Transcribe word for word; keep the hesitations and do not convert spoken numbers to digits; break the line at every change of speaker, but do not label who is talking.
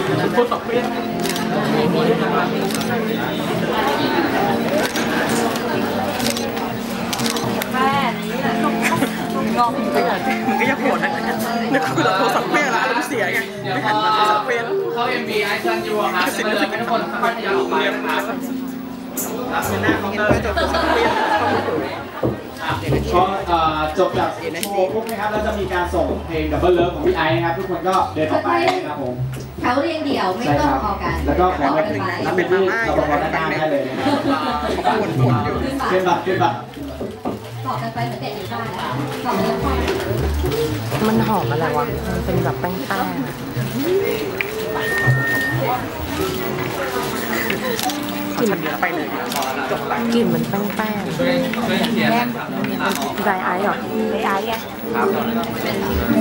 พูดตกเปี้ยน
แค่นี้แหละงงไปเลย
มันก็ยังโหดนะนึกคือเราโทรศัพท์เปี้ยนแล้วอารมณ์เสียไงไม่หันมาโทรศัพท์เปี้ยน
เขาเอ็มบีไอซันยูครับสิ่งที่ทุกคนค่อยๆออกไปนะครับ
รับหน้าเขาเลยจบโทรศัพท์เปี้ยน
ก็จบจากโชว์ปุ๊บนะครับแล้วจะมีการส่งเพลงดับเบิลเลิฟของพี่ไอซ์นะครับทุกคนก็เดินออกไปนะครับผม
แถวเรียงเดี่ยวไม่ต้องพอกัน
แล้วก็ขอไปรับเป็นที่เราพอด้านหน้าได้เลยนะครับ
ปวดปวดอยู่
ขึ้นบัตรขึ้นบัตร
ต่อกันไปเหมือนเด็กอยู่บ้านต่อเนื่อง
มันหอมอะไรวะมันเป็นแบบแป้งๆ
กลิ่นไปเลยจบละ
กลิ่นมันแป้งๆแป้งไดไอซ์หรอไดไอซ์ไง